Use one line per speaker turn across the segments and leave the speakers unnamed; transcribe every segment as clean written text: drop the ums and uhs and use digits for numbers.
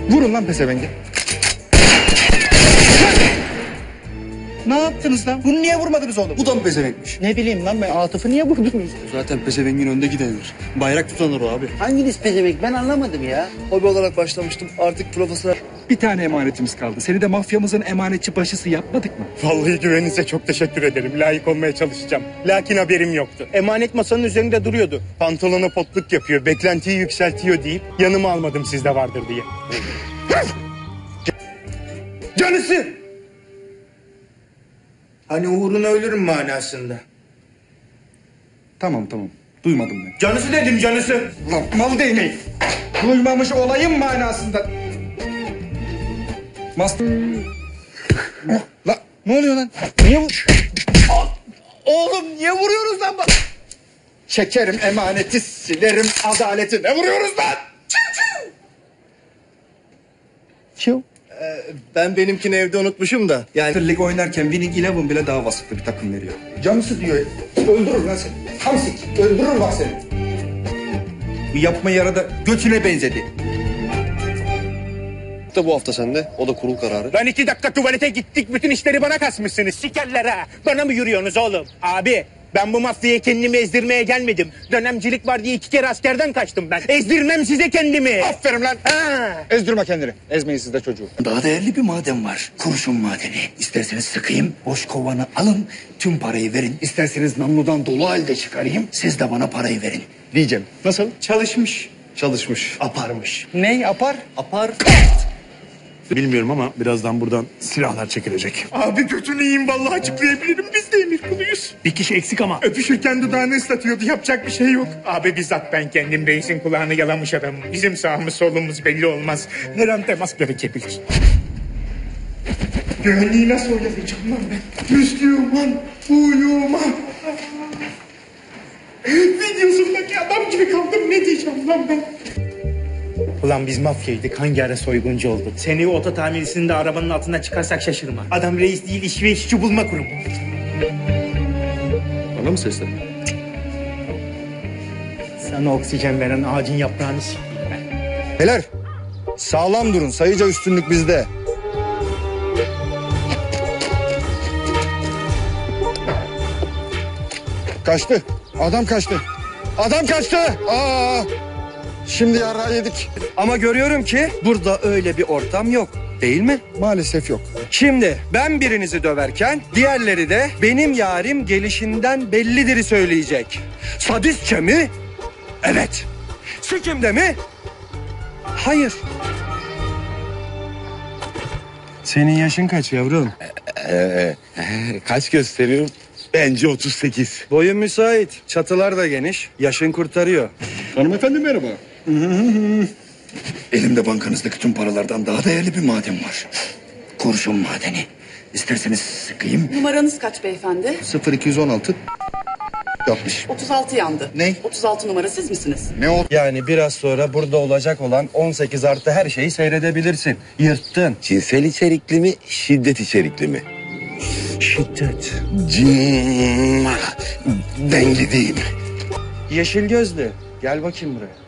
Vurun lan pezevenge. Ne yaptınız lan? Bunu niye vurmadınız oğlum?
Bu da mı pezevenkmiş?
Ne bileyim lan ben Atıf'ı niye vurdunuz?
Zaten pezevengin önde gidenir. Bayrak tutanır o abi.
Hanginiz pezevenk ben anlamadım ya.
Hobi olarak başlamıştım. Artık profesyonel.
Bir tane emanetimiz kaldı. Seni de mafyamızın emanetçi başısı yapmadık mı?
Vallahi güveninize çok teşekkür ederim. Layık olmaya çalışacağım. Lakin haberim yoktu. Emanet masanın üzerinde duruyordu. Pantolonu potluk yapıyor, beklentiyi yükseltiyor deyip yanıma almadım sizde vardır diye. Canısı!
Hani uğruna ölürüm manasında.
Tamam. Duymadım ben.
Canısı dedim canısı.
Lan mal değneği. Duymamış olayım manasında. Lan ne oluyor lan? Niye vur? Oğlum niye vuruyoruz lan? Çekerim emaneti, silerim adaleti. Ne vuruyoruz lan? Çiu.
Ben benimkini evde unutmuşum da. Yani
Lig oynarken Winning Eleven bile daha vasıflı bir takım veriyor. Canısı diyor. Öldürür lan seni. Hamsik. Öldürür bak seni. Bu yapma yarada götüne benzedi.
da bu hafta sende. O da kurul kararı.
Lan 2 dakika tuvalete gittik. Bütün işleri bana kasmışsınız. Sikerler ha. Bana mı yürüyorsunuz oğlum? Abi ben bu mafyaya kendimi ezdirmeye gelmedim. Dönemcilik var diye 2 kere askerden kaçtım ben. Ezdirmem size kendimi.
Aferin lan.
Ha.
Ezdirme kendini. Ezmeyin siz de çocuğu.
Daha değerli bir maden var. Kurşun madeni. İsterseniz sıkayım, boş kovanı alın, tüm parayı verin. İsterseniz namludan dolu halde çıkarayım, siz de bana parayı verin.
Diyeceğim. Nasıl?
Çalışmış.
Aparmış.
Ney apar?
Apar.
Bilmiyorum ama birazdan buradan silahlar çekilecek. Abi götünü yiyeyim vallahi açıklayabilirim. Biz de emir kuluyuz. Bir kişi eksik ama. Öpüşürken dudağını ıslatıyordu. Yapacak bir şey yok. Abi bizzat ben kendim reisin kulağını yalamış adamım. Bizim sağımız solumuz belli olmaz. Her an temas gerekebilir. Güvenliği nasıl oyalayacağım lan ben? Müslüman, uyuman. Videosundaki adam gibi kaldım. Ne diyeceğim lan ben? Ulan biz mafyaydık. Hangi ara soyguncu olduk? Seni oto tamircisinde arabanın altından çıkarsak şaşırma. Adam reis değil, iş ve işçi bulma kurumu.
Bana mı seslendin?
Sana oksijen veren ağacın yaprağını s**eyim ben.
Beyler sağlam durun. Sayıca üstünlük bizde. Kaçtı. Adam kaçtı. Adam kaçtı. Şimdi yara yedik.
Ama görüyorum ki burada öyle bir ortam yok. Değil mi?
Maalesef yok.
Şimdi ben birinizi döverken diğerleri de benim yarim gelişinden bellidir'i söyleyecek. Sadistçe mi? Evet. Sikimde mi? Hayır.
Senin yaşın kaç yavrum?
Kaç gösteriyorum? Bence 38.
Boyun müsait. Çatılar da geniş. Yaşın kurtarıyor.
Hanımefendi merhaba.
Elimde bankanızdaki tüm paralardan daha değerli bir maden var. Kurşun madeni. İsterseniz sıkayım.
Numaranız kaç beyefendi?
0216 60.
36 yandı.
Ne?
36 numara siz misiniz?
Ne o?
Yani biraz sonra burada olacak olan 18 artı her şeyi seyredebilirsin. Yırttın.
Cinsel içerikli mi, şiddet içerikli mi?
Şiddet.
Ben gideyim.
Yeşil gözlü. Gel bakayım buraya.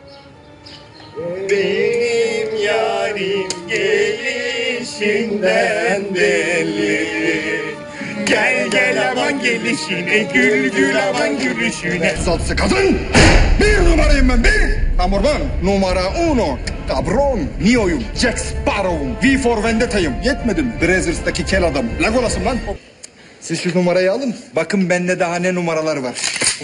Benim yarim gelişinden belli. Gel gel aman gelişine, gül gül aman gülüşüne.
Salsı kadın! Bir numarayım ben, bir! Amorban, numara uno. Cabron, Neo'yum, Jack Sparrow'um, V for Vendetta'yım. Yetmedi mi? Brazzers'taki kel adamım. Legolas'ım lan. Siz şu numarayı alın. Bakın bende daha ne numaralar var.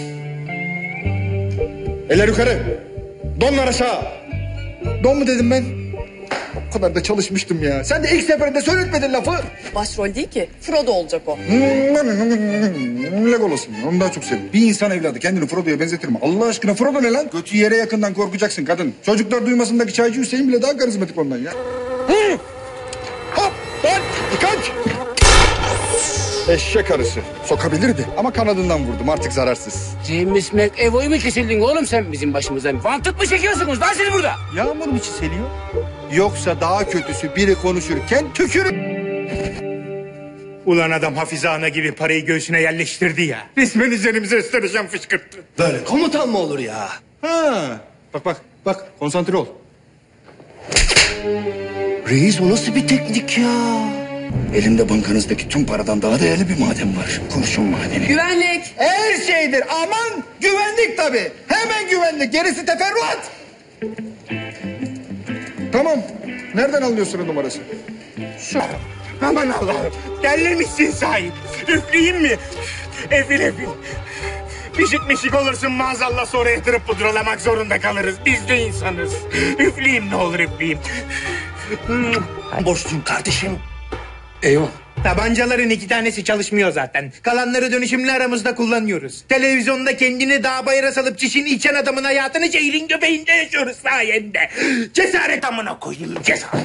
Eller yukarı. Donlar aşağı. Don mu dedim ben? O kadar da çalışmıştım ya. Sen de ilk seferinde söyletmedin lafı.
Başrol değil ki. Frodo olacak o.
Legolas'ım. Onu daha çok seviyorum. Bir insan evladı kendini Frodo'ya benzetir mi? Allah aşkına Frodo ne lan? Götü yere yakından korkacaksın kadın. Çocuklar duymasındaki çaycı Hüseyin bile daha karizmatik ondan ya. Hop! Lan! Dikkat! Eşek arısı. Sokabilirdi ama kanadından vurdum artık zararsız.
James McAvoy mu kesildin oğlum sen bizim başımızdan? Vantık mı çekiyorsunuz lan siz burada?
Yağmur mu çiseliyor? Yoksa daha kötüsü biri konuşurken tükürür.
Ulan adam Hafize Ana gibi parayı göğsüne yerleştirdi ya. Resmen üzerimize ısıracağım fışkırttı.
Böyle komutan mı olur ya?
Ha. Bak konsantre ol.
Reis o nasıl bir teknik ya?
Elimde bankanızdaki tüm paradan daha değerli bir maden var. Kurşun madeni.
Güvenlik.
Her şeydir. Aman güvenlik tabii. Hemen güvenlik. Gerisi teferruat. Tamam. Nereden alıyorsun numarası?
Aman Allah'ım. Delirmişsin sahip. Üfleyeyim mi? Efil efil. Pişik olursun maazallah, sonra yatırıp pudralamak zorunda kalırız. Biz de insanız. Üfleyeyim, ne olur üfleyeyim.
Boşluğum kardeşim.
Eyvah. Tabancaların 2 tanesi çalışmıyor zaten. Kalanları dönüşümlü aramızda kullanıyoruz. Televizyonda kendini dağ bayıra salıp çişini içen adamın hayatını şehrin göbeğinde yaşıyoruz sayende. Cesaret amına koyayım, cesaret.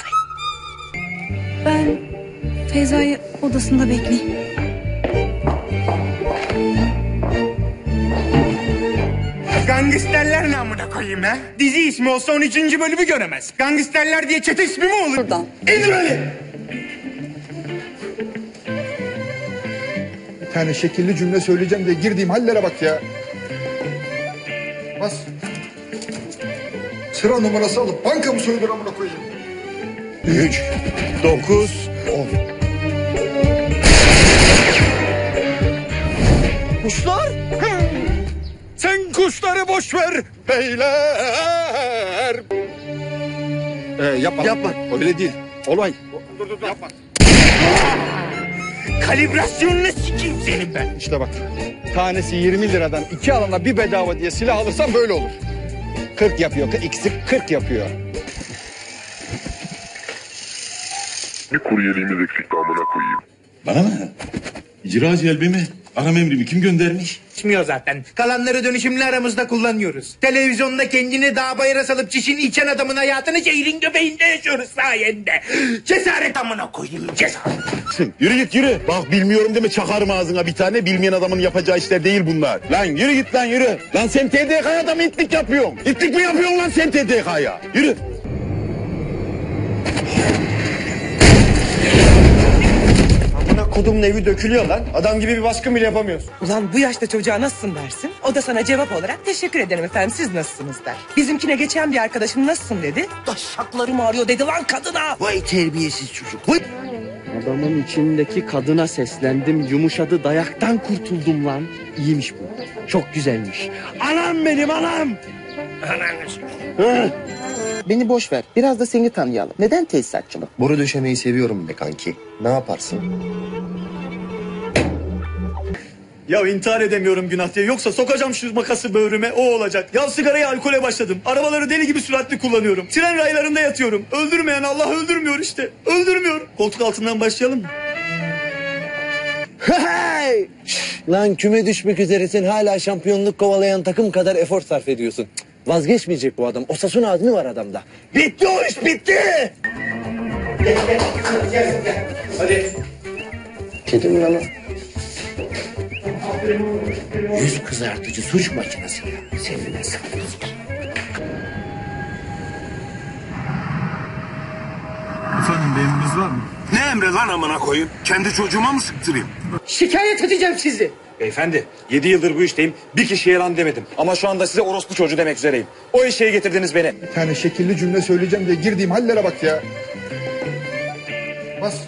Ben Feyza'yı odasında bekleyeyim.
Gangsterler namına koyayım ha. Dizi ismi olsa 13. bölümü göremez. Gangsterler diye çete ismi mi olur?
Buradan.
İndir öyle.
Bir tane şekilli cümle söyleyeceğim diye girdiğim hallere bak ya. Bas. Sıra numarası alıp banka mı soyulur amına koyayım?
3, 9, 10.
Kuşlar? Sen kuşları boş ver beyler. Yapma. Öyle değil. Olay. Dur. Yapma.
Kalibrasyonunu sikeyim senin ben.
İşte bak. Tanesi 20 liradan 2 alana bir bedava diye silah alırsan böyle olur. 40 yapıyor. İkisi 40 yapıyor.
Bir kuryeliğimiz eksikti amına koyayım.
Bana mı? İcra celbi mi? Aram emrimi kim göndermiş?
İçmiyor zaten. Kalanları dönüşümlü aramızda kullanıyoruz. Televizyonda kendini dağ bayıra salıp çişini içen adamın hayatını şehrin göbeğinde yaşıyoruz sayende. Cesaret amına koyayım, cesaret.
Yürü git yürü. Bak bilmiyorum deme, çakarım ağzına bir tane. Bilmeyen adamın yapacağı işler değil bunlar. Lan yürü git lan yürü. Lan sen TDK'ya da mı itlik yapıyorsun? İtlik mi yapıyorsun lan sen TDK'ya? Yürü.
Kodumun evi dökülüyor lan. Adam gibi bir baskın bile yapamıyorsun.
Ulan bu yaşta çocuğa nasılsın dersin? O da sana cevap olarak teşekkür ederim efendim, siz nasılsınız der. Bizimkine geçen bir arkadaşım nasılsın dedi. Taşaklarım ağrıyor dedi lan kadına.
Vay terbiyesiz çocuk. Vay.
Adamın içindeki kadına seslendim, yumuşadı, dayaktan kurtuldum lan. İyiymiş bu. Çok güzelmiş. Anam benim anam.
Beni boş ver. Biraz da seni tanıyalım. Neden tesisatçılık?
Boru döşemeyi seviyorum be kanki. Ne yaparsın?
Ya intihar edemiyorum günah diye. Yoksa sokacağım şu makası böğrüme, o olacak. Ya sigaraya, alkole başladım. Arabaları deli gibi süratli kullanıyorum. Tren raylarında yatıyorum. Öldürmeyen Allah öldürmüyor işte. Öldürmüyor. Koltuk altından başlayalım mı?
Hey! Lan küme düşmek üzeresin, hala şampiyonluk kovalayan takım kadar efor sarf ediyorsun. Vazgeçmeyecek bu adam. Osasuna azmi var adamda. Bitti o iş, bitti!
Gel. Hadi. Kedi mi lan o?
Yüz kızartıcı suç makinesi ya. Seninle sanıyorsun.
Efendim bir emriniz var mı?
Ne emri lan amına koyayım? Kendi çocuğuma mı sıktırayım?
Şikayet edeceğim sizi.
Beyefendi 7 yıldır bu işteyim. Bir kişiye lan demedim. Ama şu anda size orospu çocuğu demek üzereyim. O eşeğe getirdiniz beni.
Bir tane şekilli cümle söyleyeceğim diye girdiğim hallere bak ya. Bas.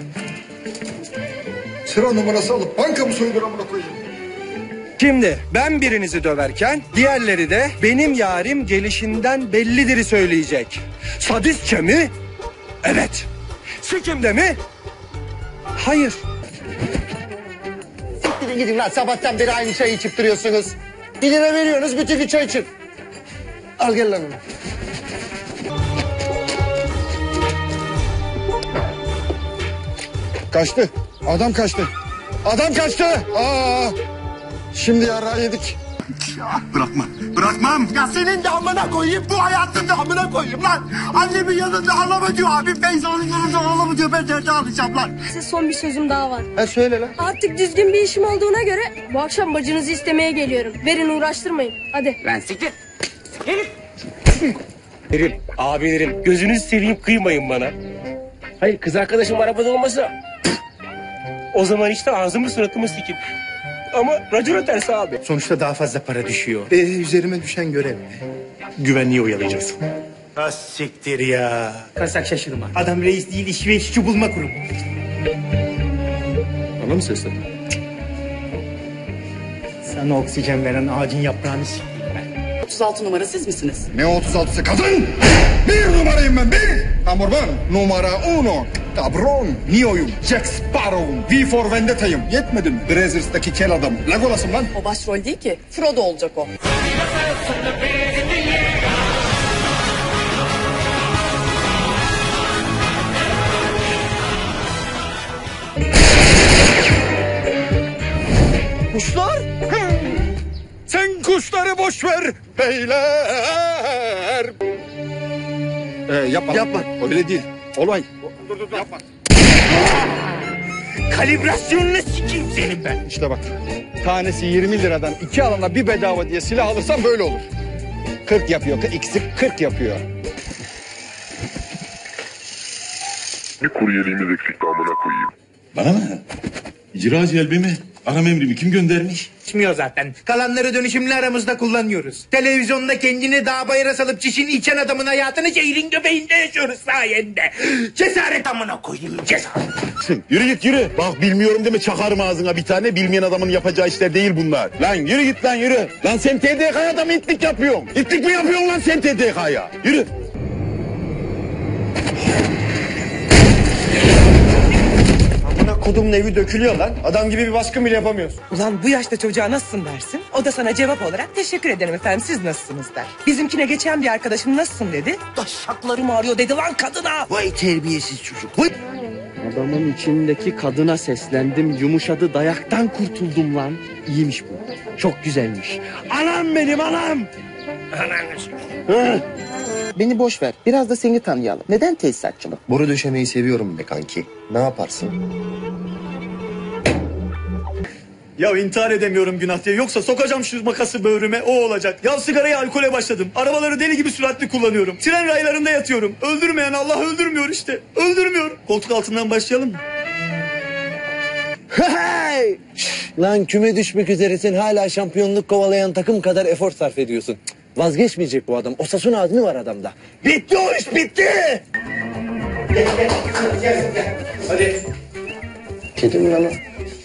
Sıra numarası alıp banka mı soyulur amına koyayım?
Şimdi ben birinizi döverken diğerleri de benim yarim gelişinden bellidir'i söyleyecek. Sadistçe mi? Evet. Sikimde mi? Hayır.
Siktirin gidin lan. Sabahtan beri aynı çayı içip duruyorsunuz. 1 lira veriyorsunuz, bütün gün çay için. Al gel lan onu.
Kaçtı. Adam kaçtı. Adam kaçtı. Şimdi yara yedik.
Ya bırakmam. Ya senin de amına koyayım, bu hayatın da amına koyayım lan. Annemin yanında ağlama diyor abi. Feyza'nın yanında ağlama diyor. Ben nerede ağlayacağım lan?
Size son bir sözüm daha var.
Ha söyle lan.
Artık düzgün bir işim olduğuna göre bu akşam bacınızı istemeye geliyorum. Verin, uğraştırmayın. Hadi.
Lan siktir. Derim, abilerim gözünüzü seveyim, kıymayın bana. Hayır, kız arkadaşım arabada olmasa o zaman işte ağzımı suratımı sikim. Ama racona ters abi.
Sonuçta daha fazla para düşüyor.
Üzerime düşen görev.
Güvenliği oyalayacaksın. Ha siktir ya.
Kasak şaşırma.
Adam reis değil, iş ve işçi bulma kurumu.
Bana mı seslendin?
Sana oksijen veren ağacın yaprağını sikeyim ben.
36 numara siz misiniz?
Ne 36'sı kadın? Bir numarayım ben, bir. Amorban, numara uno. Cabron, Neo'yum, Jack Sparrow'um, V for Vendetta'yım. Yetmedi mi? Brazzers'taki kel adamım. Legolas'ım lan.
O başrol değil ki. Frodo olacak o.
Kuşlar? Sen kuşları boş ver beyler. Yapma. Yapma. Öyle değil. Olay. Dur. Yapma.
Kalibrasyonunu sikeyim senin ben.
İşte bak. Tanesi 20 liradan 2 alana bir bedava diye silah alırsan böyle olur. 40 yapıyor. İkisi 40 yapıyor.
Bir kuryeliğimiz eksikti amına koyayım.
Bana mı? İcra celbimi, aram emrimi kim göndermiş?
İçmiyor zaten. Kalanları dönüşümlü aramızda kullanıyoruz. Televizyonda kendini dağ bayıra salıp çişini içen adamın hayatını şehrin göbeğinde yaşıyoruz sayende. Cesaret amına koyayım, cesaret.
Yürü git yürü. Bak bilmiyorum deme çakarım ağzına bir tane. Bilmeyen adamın yapacağı işler değil bunlar. Lan yürü git lan yürü. Lan sen TDK'ya mı itlik yapıyorsun? İtlik mi yapıyorsun lan sen TDK'ya? Yürü.
Kodumun evi dökülüyor lan. Adam gibi bir baskın bile yapamıyoruz.
Ulan bu yaşta çocuğa nasılsın dersin. O da sana cevap olarak teşekkür ederim efendim siz nasılsınız der. Bizimkine geçen bir arkadaşım nasılsın dedi. Taşaklarım ağrıyor dedi lan kadına.
Vay terbiyesiz çocuk. Vay. Adamın içindeki kadına seslendim. Yumuşadı dayaktan kurtuldum lan. İyiymiş bu. Çok güzelmiş. Anam benim anam.
Beni boş ver. Biraz da seni tanıyalım. Neden tesisatçılık? Boru döşemeyi seviyorum be kanki. Ne yaparsın?
Ya intihar edemiyorum günah diye. Yoksa sokacağım şu makası böğrüme, o olacak. Ya sigaraya alkole başladım. Arabaları deli gibi süratli kullanıyorum. Tren raylarında yatıyorum. Öldürmeyen Allah öldürmüyor işte. Öldürmüyor. Koltuk altından başlayalım mı?
Hey! Lan küme düşmek üzeresin hala şampiyonluk kovalayan takım kadar efor sarf ediyorsun. Cık, vazgeçmeyecek bu adam. Osasuna azmi var adamda. Bitti o iş bitti.
Hadi.
Kedi mi lan o?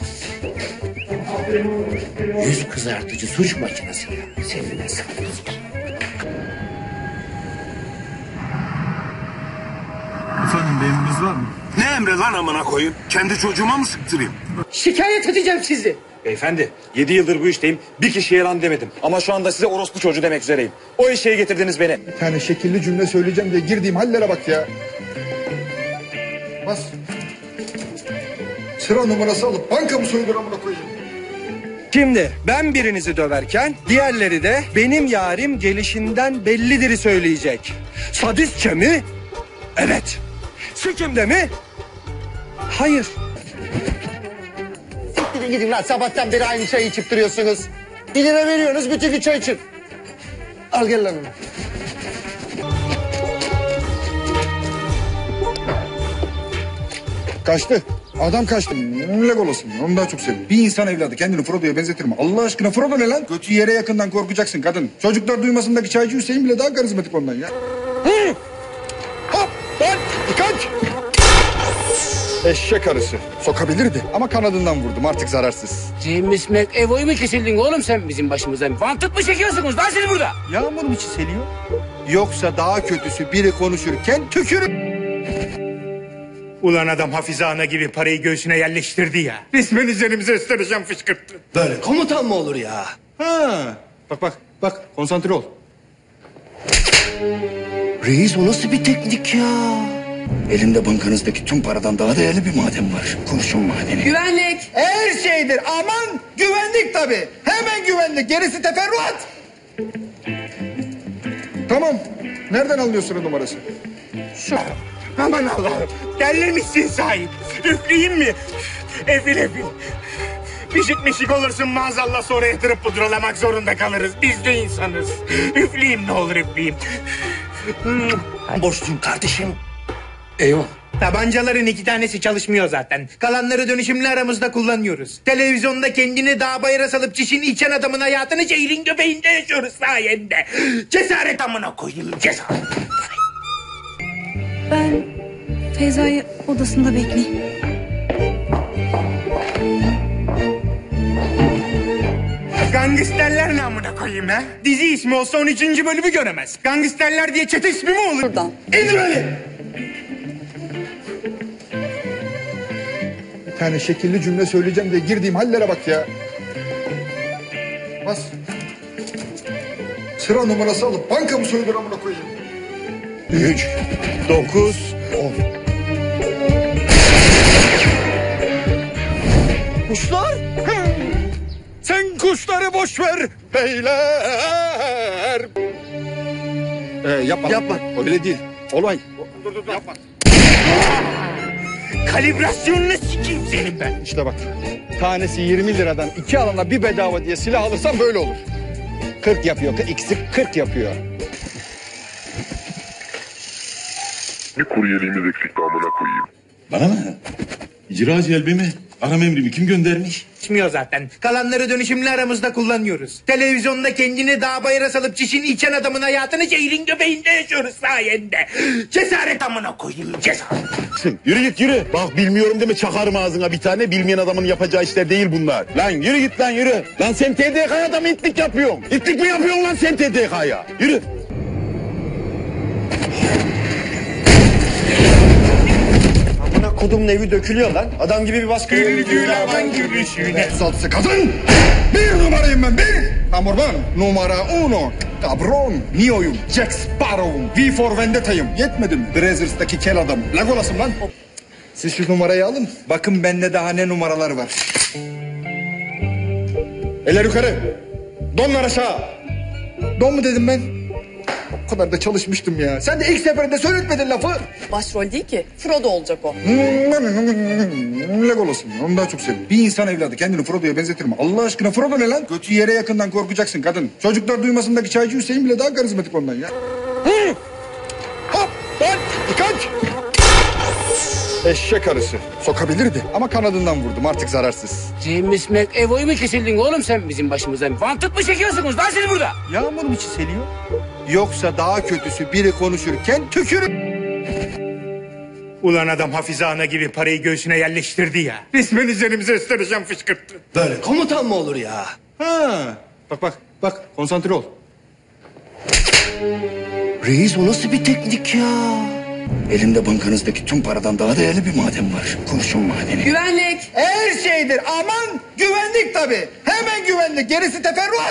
Yüz kızartıcı suç makinesi ya. Seninle sanıyorsun.
Efendim bir emriniz var mı? Ne emri lan amına koyayım? Kendi çocuğuma mı sıktırayım?
Şikayet edeceğim sizi.
Beyefendi 7 yıldır bu işteyim. Bir kişiye yalan demedim. Ama şu anda size orospu çocuğu demek üzereyim. O eşeğe getirdiniz beni.
Bir tane şekilli cümle söyleyeceğim diye girdiğim hallere bak ya. Bas. Sıra numarası alıp banka mı soyulur amına koyayım?
Şimdi ben birinizi döverken diğerleri de benim yarim gelişinden bellidir'i söyleyecek. Sadistçe mi? Evet. Sikimde mi? Hayır.
Siktirin gidin lan, sabahtan beri aynı çayı içip duruyorsunuz. 1 lira veriyorsunuz, bütün gün çay için. Al gel lan onu.
Kaçtı. Adam kaçtı. Legolas'ım. Onu daha çok seviyorum. Bir insan evladı kendini Frodo'ya benzetir mi? Allah aşkına Frodo ne lan? Götü yere yakından korkacaksın kadın. Çocuklar duymasındaki çaycı Hüseyin bile daha karizmatik ondan ya. Hı! Hop! Lan! Kaç! Eşek arısı. Sokabilirdi ama kanadından vurdum artık zararsız.
James McAvoy mu kesildin oğlum sen bizim başımızdan? Vantık mı çekiyorsunuz lan siz burada?
Yağmur mu çiseliyor? Yoksa daha kötüsü biri konuşurken tükürür.
Ulan adam Hafize Ana gibi parayı göğsüne yerleştirdi ya. Resmen üzerimize ısıracağım fışkırttı.
Böyle komutan mı olur ya?
Ha. Bak konsantre ol.
Reis o nasıl bir teknik ya? Elimde bankanızdaki tüm paradan daha değerli bir maden var. Kurşun madeni.
Güvenlik.
Her şeydir. Aman güvenlik tabii. Hemen güvenlik. Gerisi teferruat. Tamam. Nereden alıyorsun o numarası?
Şu. Aman Allah'ım. Delirmişsin sahip. Üfleyeyim mi? Efil. Pişik olursun maazallah sonra yatırıp pudralamak zorunda kalırız. Biz de insanız. Üfleyeyim ne olur üfleyeyim.
Borçluyum kardeşim. Eyvah.
Tabancaların 2 tanesi çalışmıyor zaten. Kalanları dönüşümlü aramızda kullanıyoruz. Televizyonda kendini dağ bayıra salıp çişini içen adamın hayatını şehrin göbeğinde yaşıyoruz sayende. Cesaret amına koyayım, cesaret.
Ben Feyza'yı odasında bekleyeyim.
Gangsterler namına koyayım ha. Dizi ismi olsa 13. bölümü göremez. Gangsterler diye çete ismi mi olur?
Buradan.
İndir beni.
Bir tane şekilli cümle söyleyeceğim diye girdiğim hallere bak ya. Bas. Sıra numarası alıp banka mı soyulur amına koyayım?
3, 9, 10.
Kuşlar? Sen kuşları boş ver beyler.
Yapma. Öyle değil. Olay.
Dur, yapma. Kalibrasyonunu sikeyim senin ben.
İşte bak. Tanesi 20 liradan 2 alana bir bedava diye silah alırsan böyle olur. 40 yapıyor. İkisi 40 yapıyor.
Bir kuryeliğimiz eksikti amına koyayım.
Bana mı? İcra celbimi, aram emrimi kim göndermiş?
İçmiyor zaten. Kalanları dönüşümlü aramızda kullanıyoruz. Televizyonda kendini dağ bayıra salıp çişini içen adamın hayatını şehrin göbeğinde yaşıyoruz sayende. Cesaret amına koyayım, cesaret.
Yürü git yürü. Bak bilmiyorum deme çakarım ağzına bir tane. Bilmeyen adamın yapacağı işler değil bunlar. Lan yürü git lan yürü. Lan sen TDK'ya mı itlik yapıyorsun? İtlik mi yapıyorsun lan sen TDK'ya? Yürü.
Amına kodumun evi dökülüyor lan. Adam gibi bir baskı.
Gülgülavan gülüşüne. Satsı kadın. Bir numarayım ben, bir. Amorban, numara uno. Cabron, Neo'yum, Jack Sparrow'um, V for Vendetta'yım. Yetmedi mi? Brazzers'taki kel adamım. Legolas'ım lan. Siz şu numarayı alın. Bakın bende daha ne numaralar var. Eller yukarı. Donlar aşağı. Don mu dedim ben? O kadar da çalışmıştım ya. Sen de ilk seferinde söyletmedin lafı.
Başrol değil ki. Frodo olacak o.
Legolas'ım. Onu daha çok seviyorum. Bir insan evladı kendini Frodo'ya benzetir mi? Allah aşkına Frodo ne lan? Götü yere yakından korkacaksın kadın. Çocuklar duymasındaki çaycı Hüseyin bile daha karizmatik ondan ya. Hop! Lan! Kaç! Eşek arısı. Sokabilirdi ama kanadından vurdum artık zararsız.
James McAvoy mu kesildin oğlum sen bizim başımızdan? Vantık mı çekiyorsunuz lan siz burada?
Yağmur mu çiseliyor? Yoksa daha kötüsü biri konuşurken tükürür.
Ulan adam Hafize Ana gibi parayı göğsüne yerleştirdi ya. Resmen üzerimize ısıracağım fışkırttı.
Böyle komutan mı olur ya?
Ha. Bak konsantre ol.
Reis o nasıl bir teknik ya? Elimde bankanızdaki tüm paradan daha değerli bir maden var. Kurşun madeni.
Güvenlik.
Her şeydir. Aman güvenlik tabii. Hemen güvenlik. Gerisi teferruat.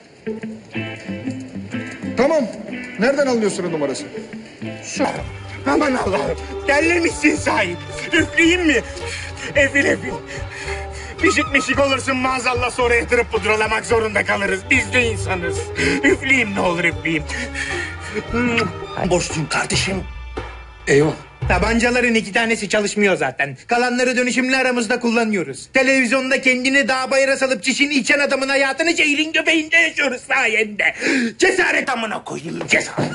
Tamam. Nereden alıyorsun o numarası?
Şu. Aman Allah'ım. Terlemişsin sahip. Üfleyeyim mi? Efil. Mişik olursun maazallah sonra yatırıp pudralamak zorunda kalırız. Biz de insanız. Üfleyeyim ne olur üfleyeyim.
Borçluyum kardeşim.
Eyvah. Tabancaların 2 tanesi çalışmıyor zaten. Kalanları dönüşümlü aramızda kullanıyoruz. Televizyonda kendini dağ bayıra salıp çişini içen adamın hayatını şehrin göbeğinde yaşıyoruz sayende. Cesaret amına koyayım, cesaret.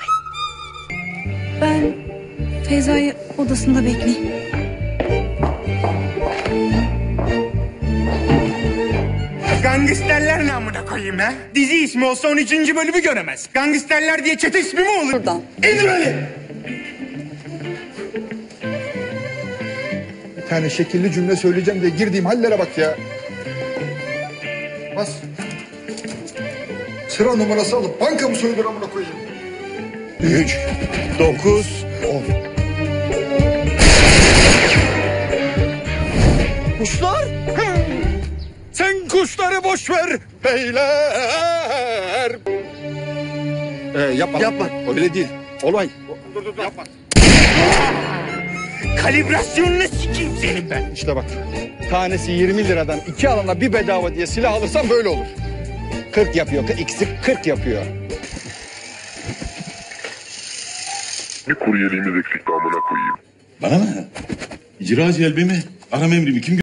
Ben Feyza'yı odasında bekleyeyim.
Gangsterler namına koyayım ha. Dizi ismi olsa 13. bölümü göremez. Gangsterler diye çete ismi mi olur?
Buradan.
İndir beni.
Bir tane şekilli cümle söyleyeceğim diye girdiğim hallere bak ya. Bas. Sıra numarası alıp banka mı soyulur amına koyayım?
3, 9, 10.
Kuşlar? Sen kuşları boş ver beyler.
Yapma. Öyle değil. Olay.
Dur, yapma. Kalibrasyonunu sikeyim senin ben.
İşte bak. Tanesi 20 liradan 2 alana bir bedava diye silah alırsan böyle olur. 40 yapıyor. İkisi 40 yapıyor.
Bir kuryeliğimiz eksikti amına koyayım.
Bana mı? İcra celbimi, aram emrimi kim